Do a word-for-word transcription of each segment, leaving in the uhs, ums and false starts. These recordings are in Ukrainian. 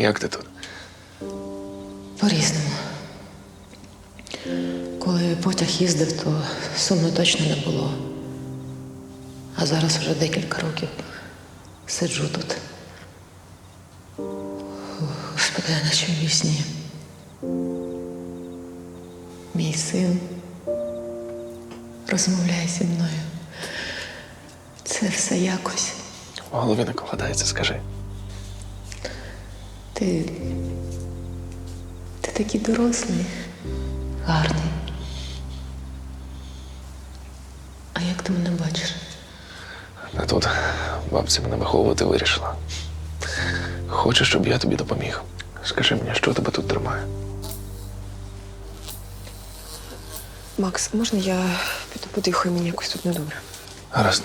Як ти тут? По-різному. Коли потяг їздив, то сумно точно не було. А зараз вже декілька років сиджу тут. Господи, я наче в вісні. Мій син розмовляє зі мною. Це все якось. В голові не вкладається, скажи. Ти... Ти такий дорослий, гарний. А як ти мене бачиш? А тут бабця мене виховувати вирішила. Хочеш, щоб я тобі допоміг? Скажи мені, що тебе тут тримає? Макс, можна я піду подихаю, мені якось тут недобре? Гаразд.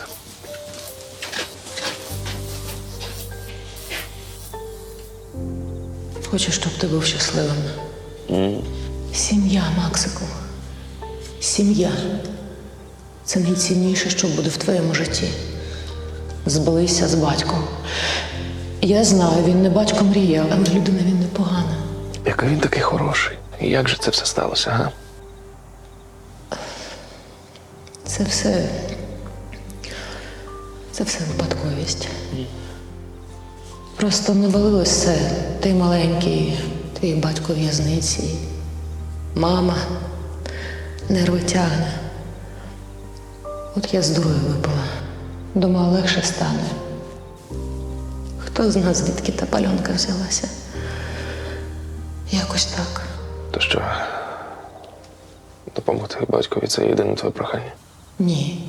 Хочу, щоб ти був щасливим. Mm. Сім'я, Максику. Сім'я. Це найцінніше, що буде в твоєму житті. Збилися з батьком. Я знаю, він не батько мріяв, але людина він непогана. Який він такий хороший. І як же це все сталося, га? Це все... Це все випадковість. Просто навалилось все. Ти маленький, твій батько в в'язниці. Мама нерви тягне. От я з дурою випала. Думала, легше стане. Хто з нас, звідки та пальонка взялася? Якось так. То що, допомогти батькові – це єдине твоє прохання? Ні.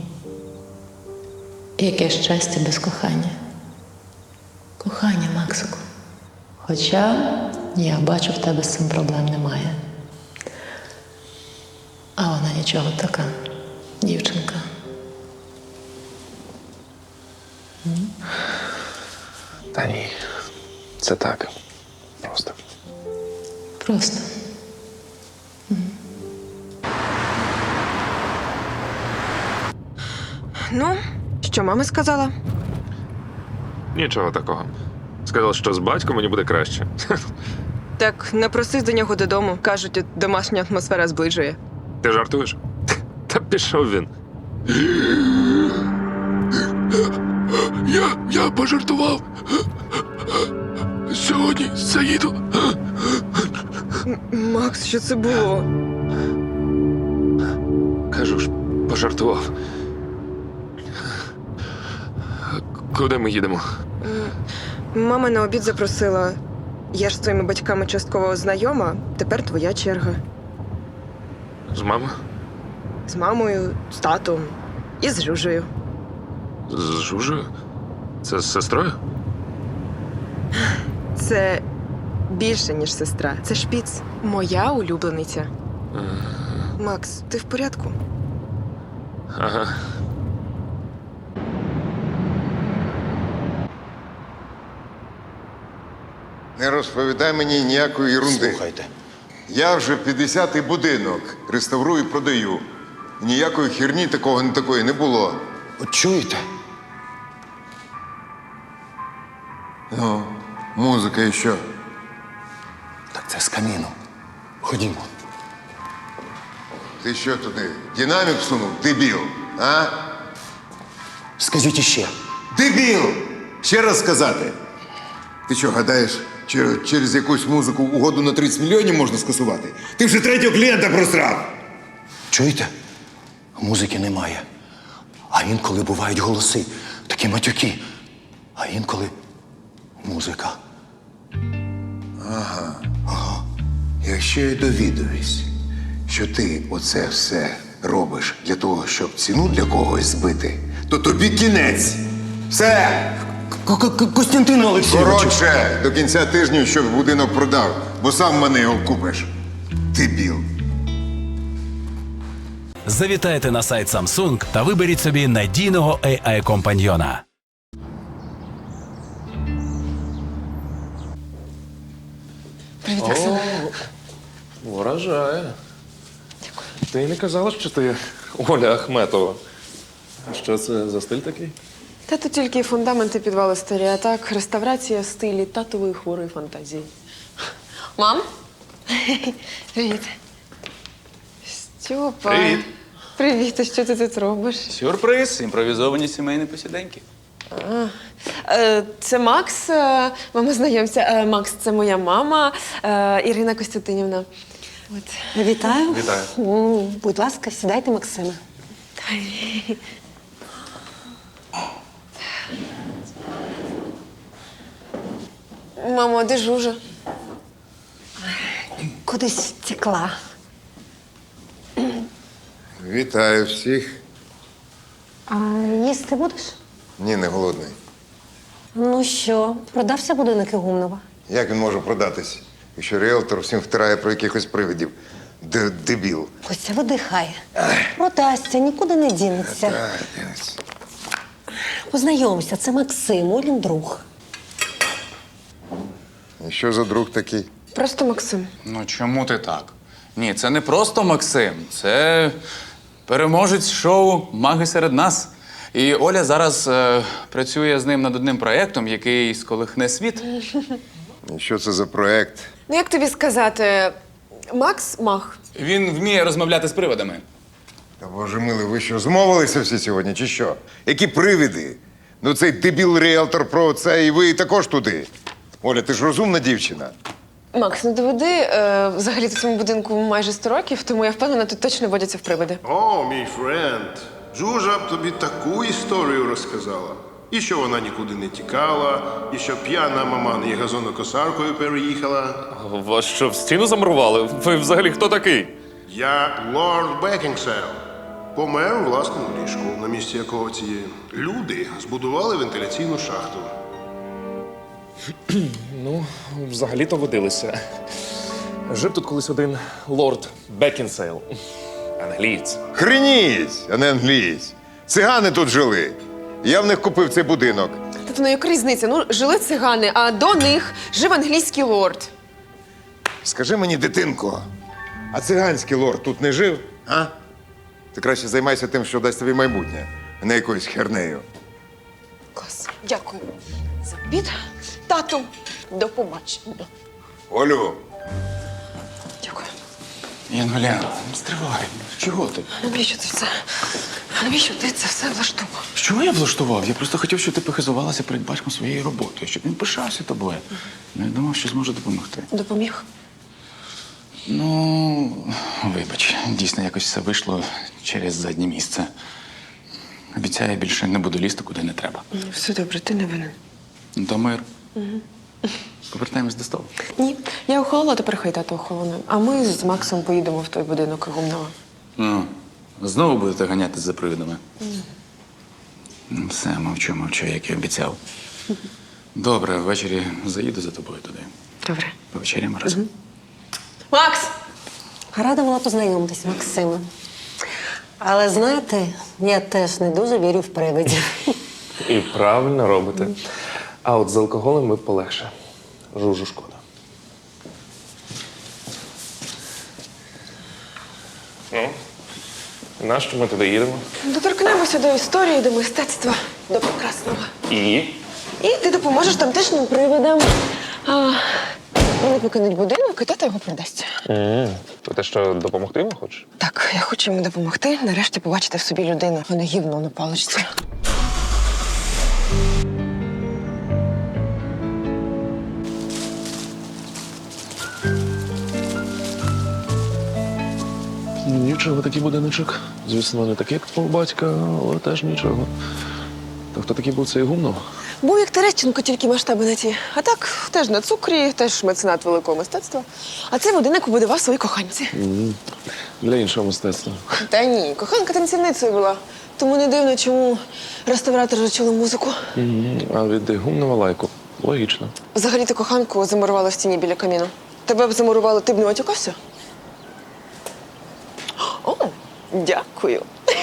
Яке щастя без кохання. Кохання, Максику. Хоча я бачу, в тебе з цим проблем немає. А вона нічого така, дівчинка. М? Та ні, це так. Просто. Просто. Ну, що мама сказала? Нічого такого. Сказав, що з батьком мені буде краще. Так, напросись до нього додому. Кажуть, домашня атмосфера зближує. Ти жартуєш? Та пішов він. Я, я пожартував. Сьогодні заїду. Макс, що це було? Кажу ж, пожартував. Куди ми їдемо? Мама на обід запросила. Я ж з твоїми батьками частково знайома, тепер твоя черга. З мамою? З мамою, з татом і з Жужею. З Жужею? Це з сестрою? Це більше, ніж сестра. Це шпіц. Моя улюблениця. Макс, ти в порядку? Ага. Не розповідай мені ніякої ерунди. Слухайте. Я вже п'ятдесятий будинок реставрую і продаю. Ніякої херні такого не такої не було. От чуєте? Ну, музика і що? Так це з каміну. Ходімо. Ти що туди? Динамік сунув? Дебіл, а? Скажіть іще. Дебіл! Ще раз сказати. Ти що, гадаєш, чер- через якусь музику угоду на тридцять мільйонів можна скасувати? Ти вже третього клієнта просрав! Чуєте? Музики немає. А інколи бувають голоси, такі матюки. А інколи музика. Якщо я довідуюсь, що ти оце все робиш для того, щоб ціну для когось збити, то тобі кінець. Все! Костянтин Олексійович! Коротше, до кінця тижня, щоб будинок продав, бо сам мене його купиш. Дебіл. Завітайте на сайт Samsung та виберіть собі надійного ей ай-компаньйона. Привіт, Оксана. Вражає. Дякую. Ти й не казала, що ти Оля Ахметова. А що це за стиль такий? Та тут тільки фундаменти підвали старі, а так реставрація в стилі татової хворої фантазії. Мам? Привіт. Стьопа. Привіт. Привіт, а що ти тут робиш? Сюрприз, імпровізовані сімейні посіденьки. Е, Це Макс. Е, Мама, знайомся. Е, Макс, це моя мама е, Ірина Костянтинівна. От. Вітаю. Вітаю. М, Будь ласка, сідайте, Максиме. Мамо, а де Жужа? Кудись втекла. Вітаю всіх. А їсти будеш? Ні, не голодний. Ну що, продався будинок Ігумнова? Як він може продатись, якщо ріелтор всім втирає про якихось привидів? Д- Дебіл. Костя, видихай. Продасться, нікуди не дінеться. Так, Денис. Познайомся, це Максим, Олін друг. І що за друг такий? Просто Максим. Ну чому ти так? Ні, це не просто Максим, це переможець шоу Маги серед нас. І Оля зараз е, працює з ним над одним проєктом, який сколихне світ. І що це за проект? Ну, як тобі сказати, Макс мах. Він вміє розмовляти з привидами. Та боже милий, ви що, змовилися всі сьогодні, чи що? Які привиди? Ну цей дебіл ріелтор про це, і ви також туди. Оля, ти ж розумна дівчина. Макс, ну доведи, е, взагалі в цьому будинку майже сто років, тому я впевнена, тут точно водяться в привиди. О, мій френд, Жужа б тобі таку історію розказала. І що вона нікуди не тікала, і що п'яна мама її газонокосаркою переїхала. Вас що, в стіну замурували? Ви взагалі хто такий? Я лорд Бекінгсейл. Помер у власному ліжку, на місці якого ці люди збудували вентиляційну шахту. Ну, взагалі-то водилися. Жив тут колись один лорд Бекінсейл. Англієць. Хреніть, а не англієць. Цигани тут жили. Я в них купив цей будинок. Тобто, ну яка різниця? Ну, жили цигани, а до них жив англійський лорд. Скажи мені, дитинко, а циганський лорд тут не жив, а? Ти краще займайся тим, що дасть тобі майбутнє, а не якоюсь хернею. Клас. Дякую за обід. Тату, до побачення. Олю, Дякую. Янголя, стривай. Чого ти? Навіщо ти це? Навіщо ти це все влаштував? Що я влаштував? Я просто хотів, щоб ти похизувалася перед батьком своєю роботою, щоб він пишався тобою. Не думав, що зможе допомогти. Допоміг? Ну, вибач, дійсно якось все вийшло через заднє місце. Обіцяю, більше не буду лізти, куди не треба. Все добре, ти не винен. Ну, то мир. Повертаємось до столу. Ні, я охолола, тепер хай тато охолоне. А ми з Максом поїдемо в той будинок Гумнова. Ну, знову будете ганяти за привидами? Ну, все, мовчу, мовчу, як і обіцяв. Добре, ввечері заїду за тобою туди. Добре. Повечеряємо разом. Макс! Рада була познайомитись, Максиме. Але знаєте, я теж не дуже вірю в привидів. І правильно робите. А от з алкоголем ви полегше. Жужу шкода. Ну, нащо ми туди їдемо? Доторкнемося до історії, до мистецтва, до прекрасного. І? І ти допоможеш тамтешнім привидам. А, вони покинуть будинок, і тато його продасть. Mm. То те, що допомогти йому хочеш? Так, я хочу йому допомогти, нарешті побачити в собі людину, а не гівно на паличці. Нічого, такий будиночок. Звісно, не такий, як твого батька, але теж нічого. То хто такий був цей Гумнов? Був як Терещенко, тільки масштаби не ті. А так, теж на цукрі, теж меценат великого мистецтва. А цей будинок побудував свої коханці. Mm. Для іншого мистецтва. Та ні, коханка танцівницею була. Тому не дивно, чому реставратори чули музику. Mm. А від Гумнова лайку. Логічно. Взагалі ти коханку замурувала в стіні біля каміну. Тебе б замурували, ти б не матюкався? О, дякую.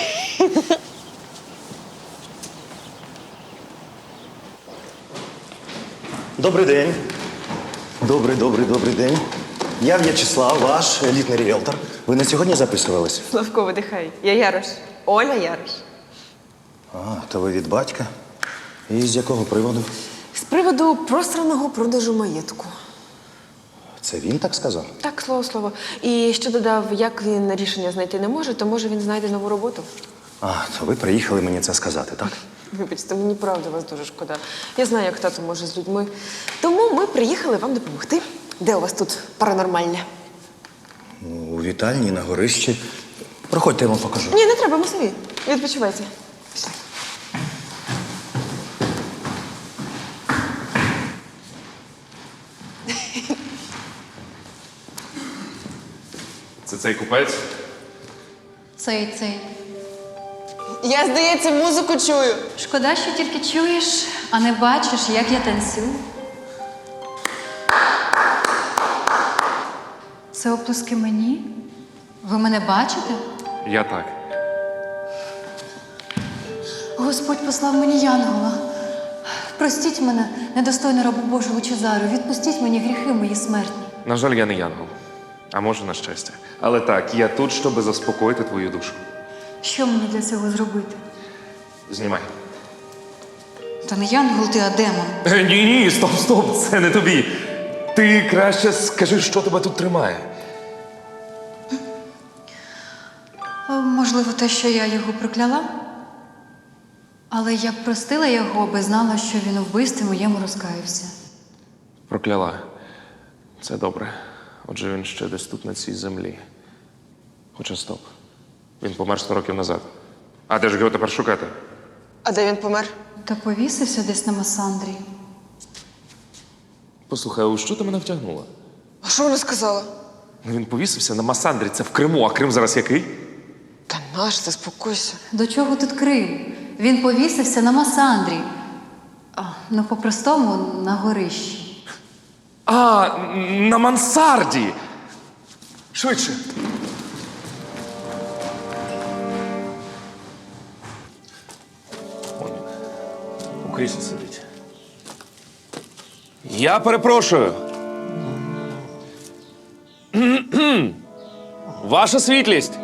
Добрий день. Добрий, добрий, добрий день. Я В'ячеслав, ваш елітний ріелтор. Ви на сьогодні записувались? Славко, видихай. Я Ярош. Оля Ярош. А, то ви від батька. І з якого приводу? З приводу просраного продажу маєтку. Це він так сказав? Так, слово слово. І ще додав, як він рішення знайти не може, то може він знайде нову роботу. А, то ви приїхали мені це сказати, так? Вибачте, мені правда вас дуже шкода. Я знаю, як тато може з людьми. Тому ми приїхали вам допомогти. Де у вас тут паранормальне? Ну, у вітальні на горищі. Проходьте, я вам покажу. Ні, не треба, ми самі. Відпочивайте. Пішли. Це цей купець? Цей, цей. Я, здається, музику чую. Шкода, що тільки чуєш, а не бачиш, як я танцюю. Це оплески мені? Ви мене бачите? Я так. Господь послав мені янгола. Простіть мене, недостойну рабу Божу Лучезару. Відпустіть мені гріхи мої смертні. На жаль, я не янгол. А може, на щастя. Але так, я тут, щоб заспокоїти твою душу. Що мені для цього зробити? Знімай. Та не янгол ти, а демон. Е, Ні, ні, стоп, стоп, це не тобі. Ти краще скажи, що тебе тут тримає. О, можливо, те, що я його прокляла? Але я б простила його, аби знала, що він у вбивстві моєму розкаявся. Прокляла. Це добре. Отже, він ще десь тут, на цій землі. Хоча стоп. Він помер сто років назад. А де ж його тепер шукати? А де він помер? Та повісився десь на Масандрі. Послухай, а у що ти мене втягнула? А що вона сказала? Ну, він повісився на Масандрі, це в Криму, а Крим зараз який? Та наш, заспокойся. До чого тут Крим? Він повісився на Масандрі. А, ну, по-простому, на горищі. А, на мансарді! Швидше. Он у кріслі сидить. Я перепрошую. Ваша світлість.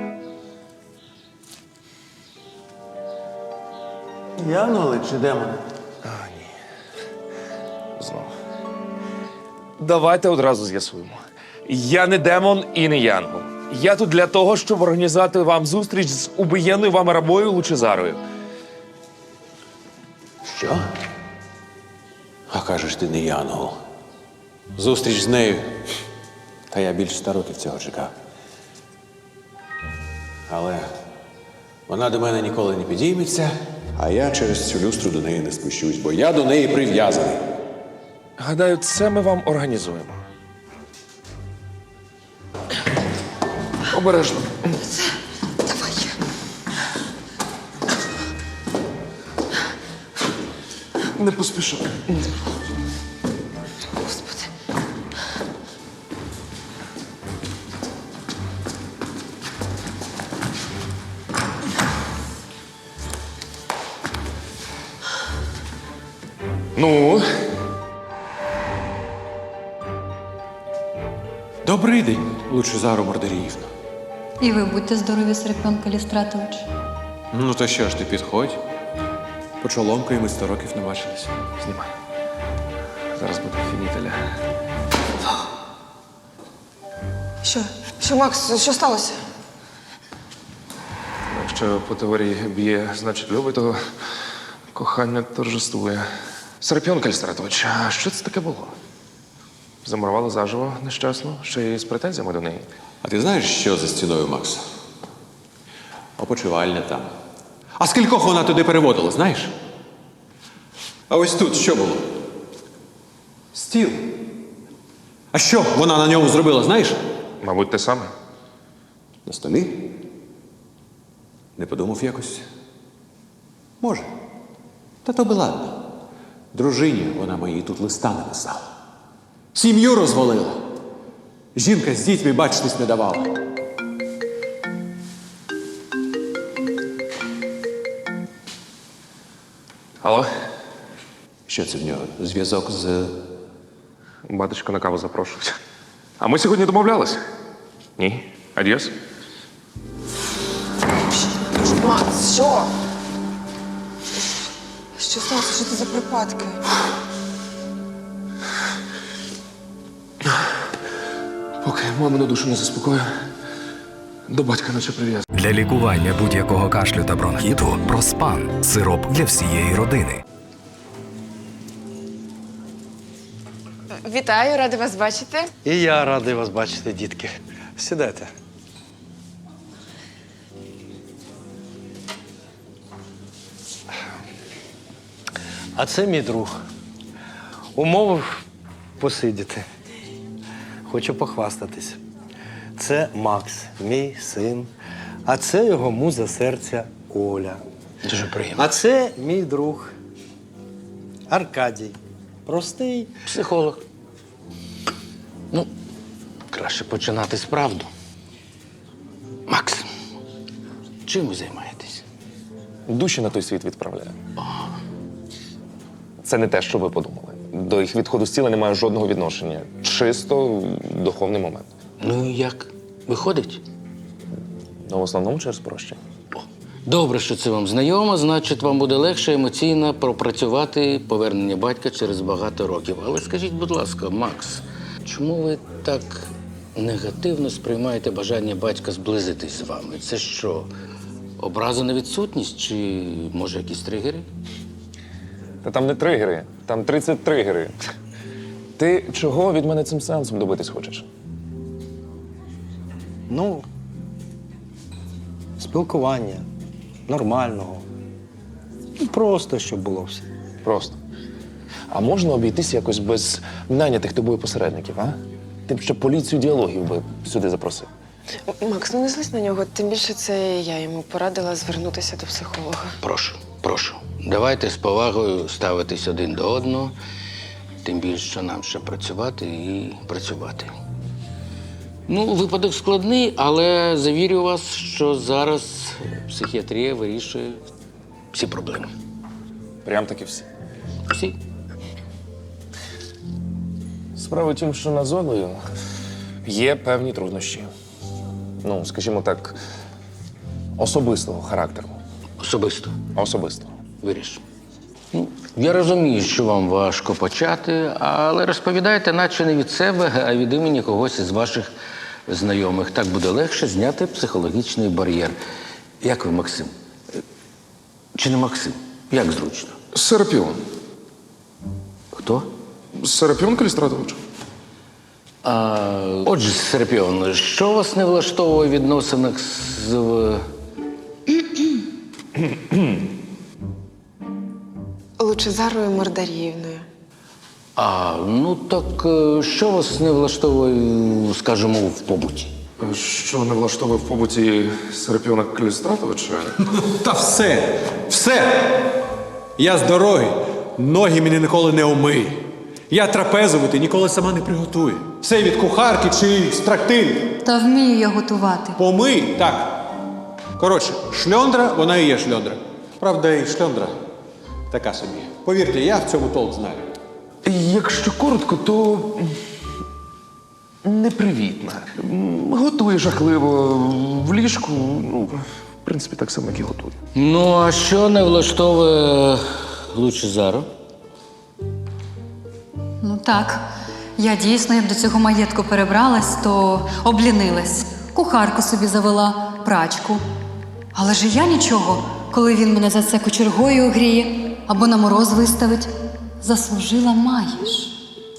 Янголи чи демони? Знову. Давайте одразу з'ясуємо. Я не демон і не янгол. Я тут для того, щоб організувати вам зустріч з убиєнною вами рабою Лучезарою. Що? А кажеш, ти не янгол. Зустріч з нею. Та я більше ста років цього чекав. Але вона до мене ніколи не підійметься, а я через цю люстру до неї не спущусь, бо я до неї прив'язаний. Гадаю, це ми вам організуємо. Обережно. Давай. Не поспішай. Господи. Ну, Добрий день, Лучезару Мордеріївна. І ви будьте здорові, Серпіон Калістратович. Ну то що ж ти, підходь. Почоломкою ми сто років не бачились. знімай. Зараз буде фінітеля. Що? Що, Макс, що сталося? Якщо по теорії б'є, значить любить, то кохання торжествує. Серапіон Кальстратович, а що це таке було? Замурували заживо нещасно, ще й з претензіями до неї. А ти знаєш, що за стіною, Макс? Опочивальня там. А скількох вона туди переводила, знаєш? А ось тут що було? Стіл. А що вона на ньому зробила, знаєш? Мабуть, те саме. На столі? Не подумав якось? Може. Та то би ладно. Дружині вона моїй тут листа написала. Сім'ю розвалила. Жінка з дітьми бачитись не давала. Алло? Що це в нього? Зв'язок з... Батечко на каву запрошують. А ми сьогодні домовлялись? Ні. Адіос? Макс, що? Що сталося? Що це за припадки? Поки мамину душу не заспокою, до батька наче прив'язаний. Для лікування будь-якого кашлю та бронхіту Проспан – сироп для всієї родини. Вітаю, рада вас бачити. І я радий вас бачити, дітки. Сідайте. А це мій друг. Умовив посидіти. Хочу похвастатись. Це Макс, мій син. А це його муза серця Оля. Дуже приємно. А це мій друг Аркадій. Простий Психолог. Ну, краще починати з правду. Макс, чим ви займаєтесь? Душі на той світ відправляю. Це не те, що ви подумали. До їх відходу з тіла немає жодного відношення. Чисто духовний момент. Ну і як? Виходить? Ну, в основному через прощення. Добре, що це вам знайомо, значить, вам буде легше емоційно пропрацювати повернення батька через багато років. Але скажіть, будь ласка, Макс, чому ви так негативно сприймаєте бажання батька зблизитись з вами? Це що, образа на відсутність чи, може, якісь тригери? Та там не тригери, там тридцять тригери. Ти чого від мене цим сеансом добитись хочеш? Ну, спілкування нормального. Ну, просто, щоб було все. Просто. А можна обійтись якось без нанятих тобою посередників, а? Ти б ще поліцію діалогів би сюди запросив. Макс, ну не злись на нього, тим більше це я йому порадила звернутися до психолога. Прошу, прошу. Давайте з повагою ставитись один до одного, тим більше, що нам ще працювати і працювати. Ну, випадок складний, але завірю вас, що зараз психіатрія вирішує всі проблеми. Прям таки всі. Всі. Справа в тім, що на Золою є певні труднощі. Ну, скажімо так, особистого характеру. Особисто. Особистого. Виріш. Ну, я розумію, що вам важко почати, але розповідайте, наче не від себе, а від імені когось із ваших знайомих. Так буде легше зняти психологічний бар'єр. Як ви, Максим? Чи не Максим? Як зручно? Серапіон. Хто? Серапіон Калістратович. А, отже, Серапіон, що вас не влаштовує в відносинах з... в- Лучезарою Мордаріївною. А, ну так е, що вас не влаштовує, скажімо, в побуті? Що не влаштовує в побуті Серапіона Калістратовича? Та все, все! Я здоровий, ноги мені ніколи не умий. Я трапезувати ніколи сама не приготую. Все від кухарки чи з трактирів. Та вмію я готувати. Помий, так. Коротше, шльондра, вона і є шльондра. Правда, і шльондра така собі. Повірте, я в цьому толк знаю. Якщо коротко, то непривітна. Готує жахливо в ліжку. Ну, в принципі, так само, як і готує. Ну, а що не влаштовує Лучезару? Ну так, я дійсно, як до цього маєтку перебралась, то облінилась. Кухарку собі завела, прачку. Але ж і я нічого, коли він мене за це кочергою огріє або на мороз виставить. Заслужила маєш.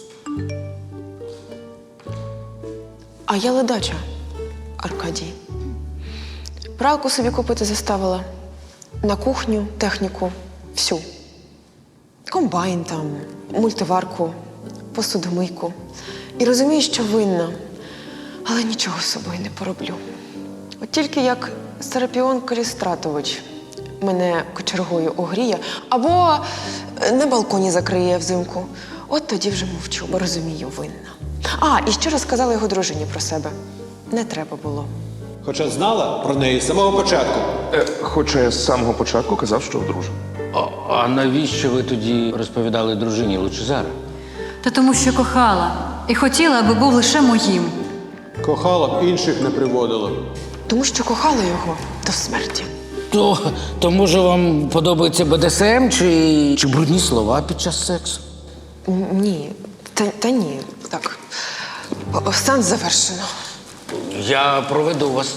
А я ледача, Аркадій. Пралку собі купити заставила. На кухню, техніку, всю. Комбайн там, мультиварку, посудомийку. І розумію, що винна, але нічого з собою не пороблю. От тільки як Серапіон Калістратович мене кочергою огріє або на балконі закриє взимку, от тоді вже мовчу, бо розумію, винна. А, і ще розказала його дружині про себе. Не треба було. Хоча знала про неї з самого початку. Е, хоча я з самого початку казав, що одружений. А, а навіщо ви тоді розповідали дружині Лучезара? Та тому, що кохала. І хотіла, аби був лише моїм. Кохала б, інших не приводила. Тому що кохала його до смерті. То, то може вам подобається Бе Де Ес Ем чи, чи брудні слова під час сексу? Н- Ні, та, та ні, так. О, сеанс завершено. Я проведу вас.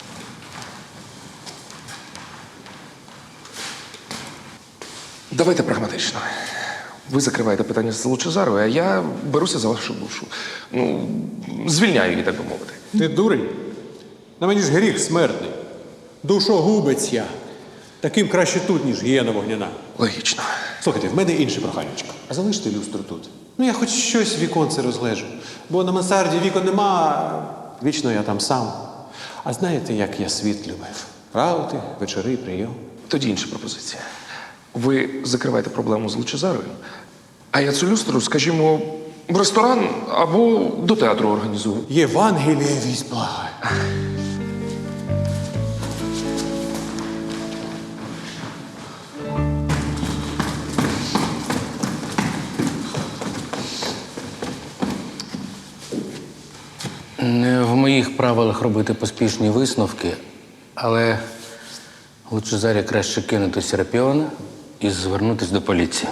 Давайте прагматично. Ви закриваєте питання з Лучезаровою, а я беруся за вашу душу. Ну, звільняю її, так би мовити. Ти дурень? На мені ж гріх смертний. Душогубець я. Таким краще тут, ніж гієна вогняна. Логічно. Слухайте, в мене інше проханечко. А залиште люстру тут. Ну, я хоч щось в віконце розлежу. Бо на мансарді вікон нема, вічно я там сам. А знаєте, як я світ любив? Раути, вечори, прийом. Тоді інша пропозиція. Ви закриваєте проблему з Лучезаровою, а я цю люстру, скажімо, в ресторан або до театру організую. Євангеліє вісь благає. Не в моїх правилах робити поспішні висновки, але Лучезарі краще кинути Серапіона і звернутися до поліції.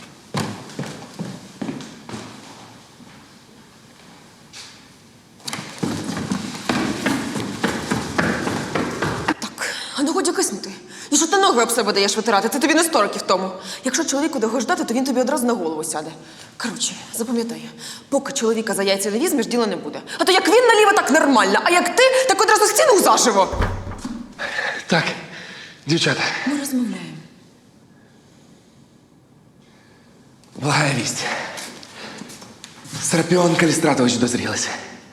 А ну годі киснути. І що ти ноги об себе даєш витирати? Це тобі не сто років тому. Якщо чоловіку довго ждати, то він тобі одразу на голову сяде. Коротше, запам'ятай, поки чоловіка за яйця не візьмеш, діла не буде. А то як він наліво, так нормально, а як ти, так одразу стіну заживо. Так, дівчата, Ми розмовляємо. благая вість. Серапіон Калістратович дозрілися.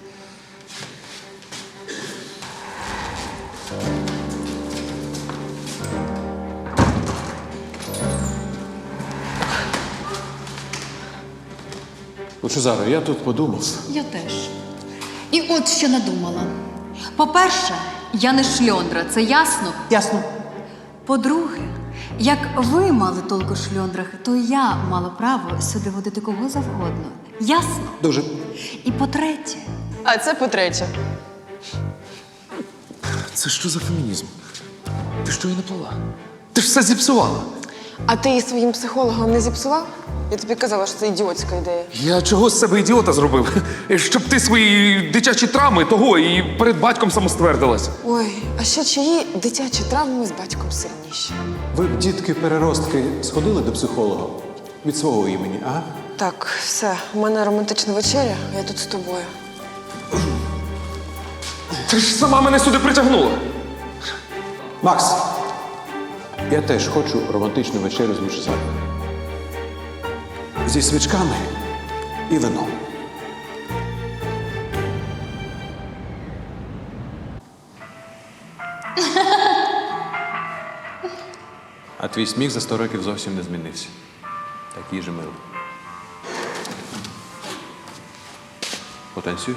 Лучезаро, я тут подумав. Я теж. І от що надумала. По-перше, я не шльондра, це ясно? Ясно. По-друге, як ви мали толку в шльондрах, то я мала право сюди водити кого завгодно. Ясно? Дуже. І по-третє, А це по-третє. Це що за фемінізм? Ти що її не плела? Ти ж все зіпсувала. А ти її своїм психологом не зіпсував? Я тобі казала, що це ідіотська ідея. Я чого з себе ідіота зробив? Щоб ти свої дитячі травми того і перед батьком самоствердилась. Ой, а ще чиї дитячі травми з батьком сильніші? Ви б, дітки-переростки, сходили до психолога від свого імені, а? Так, все, у мене романтична вечеря, я тут з тобою. Ти ж сама мене сюди притягнула. Макс, я теж хочу романтичну вечерю з Лучезаром. Зі свічками і вином. А твій сміх за сто років зовсім не змінився. Такий же милий. Потанцюй.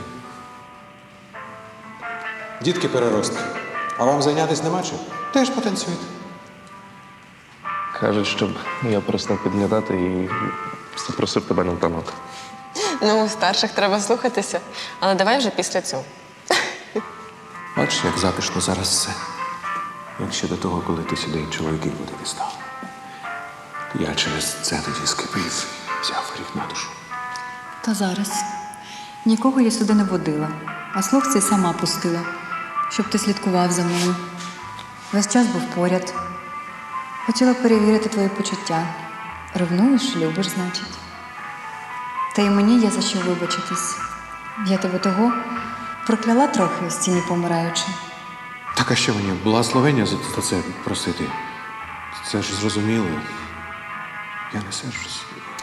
Дітки переростки. А вам зайнятися нема чим? Теж потанцюйте. Кажуть, щоб я перестав підглядати і запросив тебе на танок. Ну, у старших треба слухатися, але давай вже після цього. Бачиш, як затишно зараз все. Як ще до того, коли ти сюди чоловіків водити став. Я через це тоді скипів, взяв гріх на душу. та зараз. Нікого я сюди не водила, а слух цей сама пустила, щоб ти слідкував за мною. Весь час був поряд. Хотіла перевірити твої почуття. Ревнуєш, любиш, значить. Та й мені є за що вибачитись. Я тебе того прокляла трохи у стіні помираючи. Так, а що мені, благословення за за це просити? Це ж зрозуміло. Я не сержусь.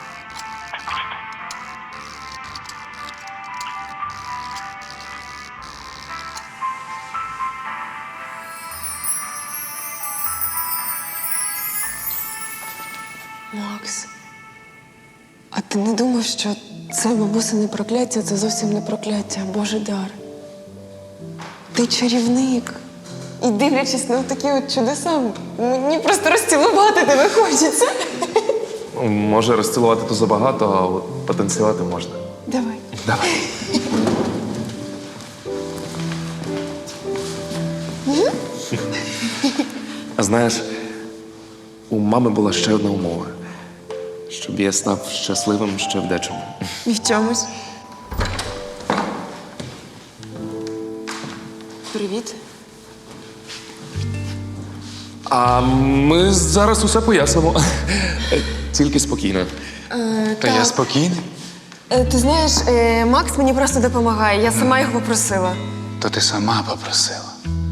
Макс, а ти не думав, що це бабусине прокляття, це зовсім не прокляття, а Божий дар? Ти чарівник. І дивлячись на такі от чудеса, мені просто розцілувати тебе хочеться. Може, розцілувати то забагато, а от потанцювати можна. Давай. Давай. А знаєш, у мами була ще одна умова. Щоб я став щасливим ще в дечому. І в чомусь. Привіт. А ми зараз усе пояснимо. Тільки спокійно. Е, Та я спокійний. Е, ти знаєш, е, Макс мені просто допомагає. Я сама його попросила. То ти сама попросила.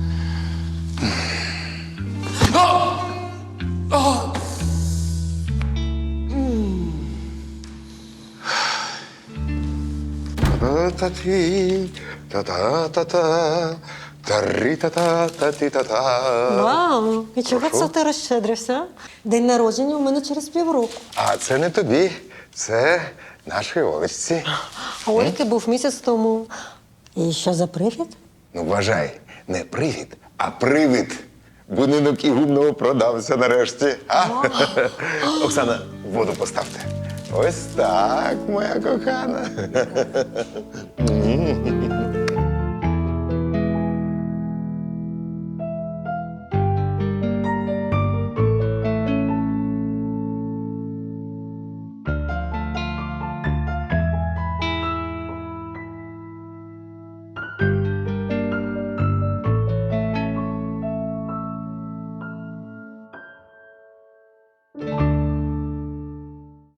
Та-та-та-та, та-ри-та-та-та-ти-та-та. Вау! І чого це ти розщедрився? День народження у мене через півроку. А це не тобі, це нашій Олечці. А Ольки був місяць тому. І що за привід? Ну, вважай, не привід, а привид. Будинок Ігумного продався нарешті. А? Оксана, воду поставте. Ось так, моя кохана.